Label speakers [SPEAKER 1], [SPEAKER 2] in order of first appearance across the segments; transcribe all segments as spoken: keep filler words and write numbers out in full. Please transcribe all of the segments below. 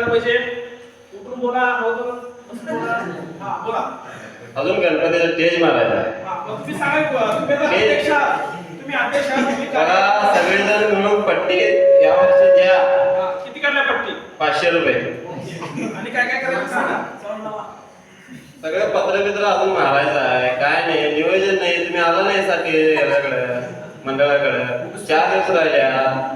[SPEAKER 1] करायला पाहिजे? उठून बोला, हा बोला.
[SPEAKER 2] अजून गणपतीचा स्टेज मारायचा.
[SPEAKER 1] तुम्ही सांगा, तुम्ही अध्यक्ष तुम्ही अध्यक्ष
[SPEAKER 2] बघा सगळेजण मिळून पट्टी या वर्षी द्या.
[SPEAKER 1] किती काढल्या पट्टी?
[SPEAKER 2] पाचशे रुपये.
[SPEAKER 1] आणि काय काय करायचं सांगा.
[SPEAKER 2] सगळं पत्र बित्र अजून मारायचं आहे. काय नाही नियोजन नाही. तुम्ही आला नाही सारखे याच्याकडे मंडळाकडे. चार दिवस राहिल्या.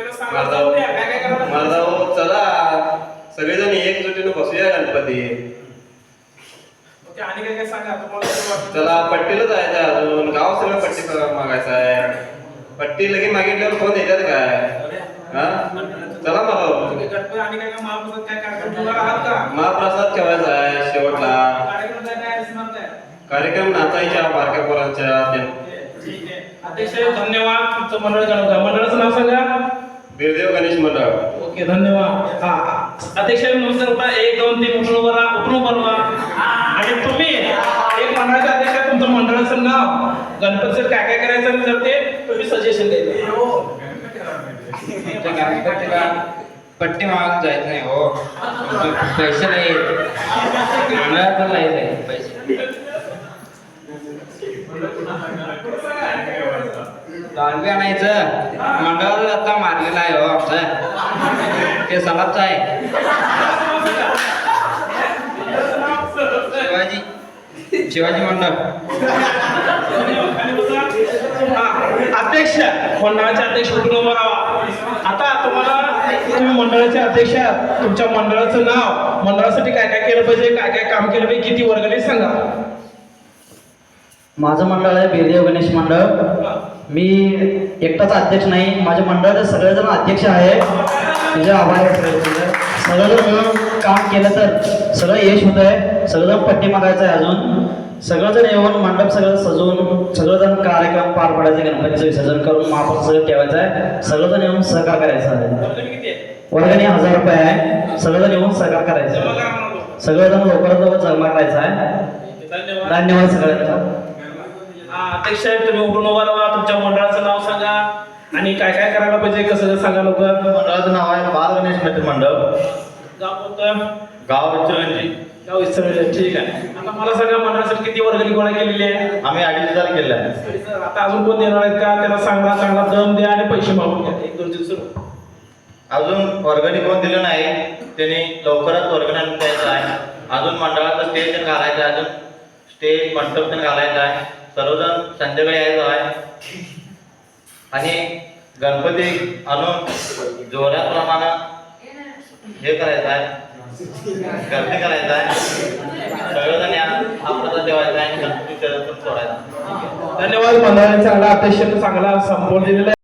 [SPEAKER 2] मर्दाव चला सगळेजण एकजुटीने बसूया गणपती.
[SPEAKER 1] आणि काय काय सांगा तुम्हाला.
[SPEAKER 2] चला पट्टीला जायचं अजून. गाव सगळं पट्टी मागायचं आहे. पट्टी लगे मागितल्यावर फोन येतात काय? हा चला मला
[SPEAKER 1] गणपती आणि काय काय महाप्रसाद काय कार्यक्रम आहात का?
[SPEAKER 2] महाप्रसाद ठेवायचा आहे शेवटला.
[SPEAKER 1] कार्यक्रम काय काय असणार काय?
[SPEAKER 2] कार्यक्रम नाचायच्या बारक्या पोरांच्या.
[SPEAKER 1] ठीक आहे अध्यक्ष धन्यवाद. तुमचं मंडळ गणपती मंडळाचं नाव सांगा.
[SPEAKER 2] बिरदेव गणेश मंडळ.
[SPEAKER 1] ओके धन्यवाद. हा अध्यक्ष नमस्कार होता. एक दोन तीन उठून उभा राहा, उठून उभा राहा. आणि तुम्ही एक मंडळाचे अध्यक्ष तुमचं मंडळाचं नाव गणपतीचं काय काय करायचं जर ते तुम्ही सजेशन द्यायचं.
[SPEAKER 3] पट्टी माग जायचं नाही हो. पैसे नाही मंडळाचं नाही पैसे. दांडगी आणायचं मंडळाचं आता मारलेलं आहे हो आमचं. ते सलाबचं आहे. शिवाजी शिवाजी मंडळ.
[SPEAKER 1] अध्यक्ष मंडळाचे अध्यक्ष कुठून उभा राहा. आता तुम्हाला तुम्ही मंडळाचे अध्यक्ष आहात. तुमच्या मंडळाचं नाव मंडळासाठी काय काय केलं पाहिजे, काय काय काम केलं पाहिजे, किती वर्गणी सांगा.
[SPEAKER 4] माझं मंडळ आहे बिरदेव गणेश मंडळ. मी एकटाच अध्यक्ष नाही, माझ्या मंडळाचे सगळेजण अध्यक्ष आहे. तुझे आभार आहे. सगळेजण मिळून काम केलं तर सगळं यश होत आहे. सगळेजण पट्टी मागायचं आहे. अजून सगळेजण येऊन मंडप सगळं सजवून सगळेजण कार्यक्रम पार पाडायचे. गणपतीचं विसर्जन करून महाप्रसाद सगळं ठेवायचं आहे. सगळेजण येऊन सहकार करायचं आहे. वर्गणी हजार रुपये आहे. सगळेजण येऊन सहकार करायचं. सगळेजण लवकरात लवकर जमा करायचं आहे. धन्यवाद सगळ्यांचा.
[SPEAKER 1] अध्यक्ष तुम्ही उठून उभा राहा. तुमच्या मंडळाचं नाव सांगा आणि काय काय करायला पाहिजे कसं सांगा लवकर.
[SPEAKER 2] मंडळाचं नाव आहे बाल गणेश मित्र मंडळ.
[SPEAKER 1] गाव कोणतं?
[SPEAKER 2] गाव इचलकरंजी.
[SPEAKER 1] गाव इचलकरंजी. ठीक आहे. आता मला सांगा मंडळासाठी किती वर्गणी गोळा केलेली आहे?
[SPEAKER 2] आम्ही अडीच हजार केले आहे.
[SPEAKER 1] आता अजून कोण देणार आहेत का? त्याला सांगा चांगला दम द्या आणि पैसे मागून घ्या. एक दोन दिवस
[SPEAKER 2] अजून वर्गणी कोण दिलं नाही त्यांनी लवकरच वर्गणी आणून द्यायचं आहे. अजून मंडळाचं स्टेज पण घालायचं आहे. अजून स्टेज मंडप पण घालायचं आहे. सर्वजण संध्याकाळी यायचं आहे. आणि गणपती आणून जोऱ्या प्रमाणे हे करायचं आहे. गर्दी करायचं आहे. सगळेजण या आपल्याला ठेवायचं आहे आणि गणपती सोडायचा.
[SPEAKER 1] धन्यवाद. मंडळाने चांगला अध्यक्ष चांगला संपोर्ट दिलेला आहे.